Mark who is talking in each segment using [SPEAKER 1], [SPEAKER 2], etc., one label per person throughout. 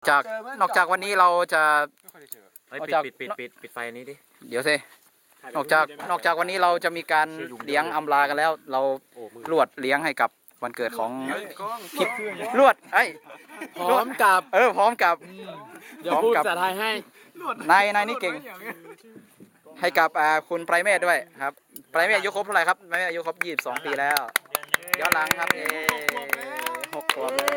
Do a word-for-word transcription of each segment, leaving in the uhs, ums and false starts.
[SPEAKER 1] จากนอกจากวันนี้เราจะ
[SPEAKER 2] เฮ้ยปิดปิดปิดปิดปิดไฟนี้ดิ
[SPEAKER 1] เดี๋ยวสินอกจากนอกจากวันนี้เราจะมีการเลี้ยงอำลากันแล้ว เราลวดเลี้ยงให้กับวันเกิดของคิดลวดไอ้
[SPEAKER 3] พร้อมกับ
[SPEAKER 1] เออพร้อมกับ
[SPEAKER 3] เดี๋ยวพูดภาษาไทยให้
[SPEAKER 1] นายนายนี่เก่ง ให้กับอ่าคุณไพรเมธด้วยครับไพรเมธอายุครบเท่าไหร่ครับไพรเมธอายุครบยี่สิบสองปีแล้วย้อนหลังครับเอหกขวบเลย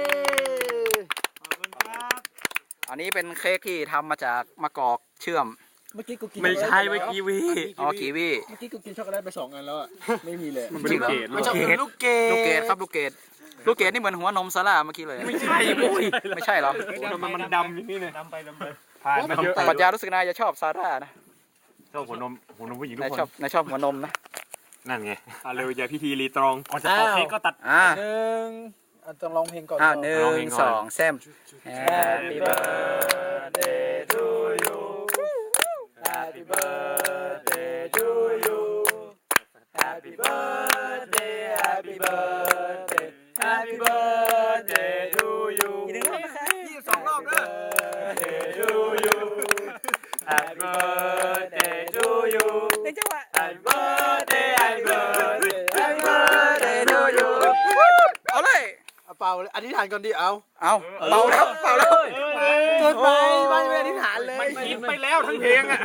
[SPEAKER 1] อันนี้เป็นเค้กที่ทำมาจากมะกอกเชื่อม
[SPEAKER 3] เมื่อกี้กูกิน
[SPEAKER 2] ไม่ใช่เมื่อกี้วิ
[SPEAKER 1] อ๋อกีวี
[SPEAKER 3] เมื่อกี้กูกินช็อกโกแลตไปสองอันแล้วอ่ะไม่มีเลย
[SPEAKER 1] จริงเหรอ
[SPEAKER 2] ลูกเกด
[SPEAKER 3] ลูกเก
[SPEAKER 1] ลูกเกดครับลูกเกดลูกเกดนี่เหมือนหัวนมซาร่าเมื่อกี้เลย
[SPEAKER 2] ไม่ใช่ปุ้ย
[SPEAKER 1] ไม่ใช่เหรอ
[SPEAKER 2] มันมันดำอย่างนี้เลยดำไปดำไปผ่าน
[SPEAKER 1] ปรัชญารู้สึกนายจะชอบซาร่านะ
[SPEAKER 2] ชอบหัวนมหัวนมผู้หญิงทุ
[SPEAKER 1] นาย
[SPEAKER 2] กค
[SPEAKER 1] ชอบ
[SPEAKER 2] น
[SPEAKER 1] นายชอบหัวนมนะ
[SPEAKER 2] นั่นไงอ่ะเร็วอย่าพิธีรีตรองก่อนจะเป่าเค้กก็ตัด
[SPEAKER 1] อ่า
[SPEAKER 3] หนึ่งอ่ะต้องร้องเพลงก่อน
[SPEAKER 1] อ่าหนึ่
[SPEAKER 2] ร้องเพล
[SPEAKER 1] ง
[SPEAKER 2] งก่อน
[SPEAKER 1] สองแซม Happy birthday to you Happy birthday to you Happy birthday Happy birthday Happy birthday to you อีกหนึ่งรอบนะคะยี่สิบสองรอบด้วย to you Happy birthday to you หนึ่งจังหวะ Happy birthday Happy birthday Happy birthday to you เอาเลย
[SPEAKER 3] เอาเป่าเลยอธิษฐานก่อนดิเอา
[SPEAKER 1] เอาเป่าแล้วเป่าแล้ว
[SPEAKER 3] เกินไปไม่ไม่อธิษฐานเลย
[SPEAKER 2] มันคิดไปแล้วทั้งเพลงอ่ะ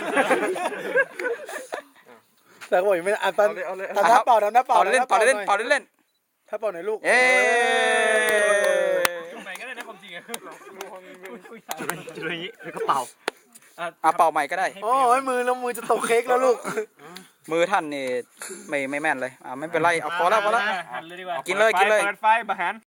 [SPEAKER 3] แต่ก็บอกยังไม่อ่ะตอนทำหน้าเป่าทำหน้าเป่า
[SPEAKER 1] เป่าเล่นเป่าเล่นเป่าเล่น
[SPEAKER 3] ถ้าเป่าหน่อยลูก
[SPEAKER 1] เอ๊
[SPEAKER 2] จุดไหนก็ได้นะความจริงอ่ะจุดจุดอย่างนี้แล้วก็เป่า
[SPEAKER 1] อ่ะเป่าใหม่ก็ได้
[SPEAKER 3] โอ้ยมือแล้วมือจะตกเค้กแล้วลูก
[SPEAKER 1] มือท่านนี่ไม่ไม่แม่นเลยอ่ะไม่เป็นไรเอาพอแล้วพอแล้ว
[SPEAKER 2] หันเลยดีกว่า
[SPEAKER 1] กินเลยกินเลย
[SPEAKER 2] เปิดไฟบะหัน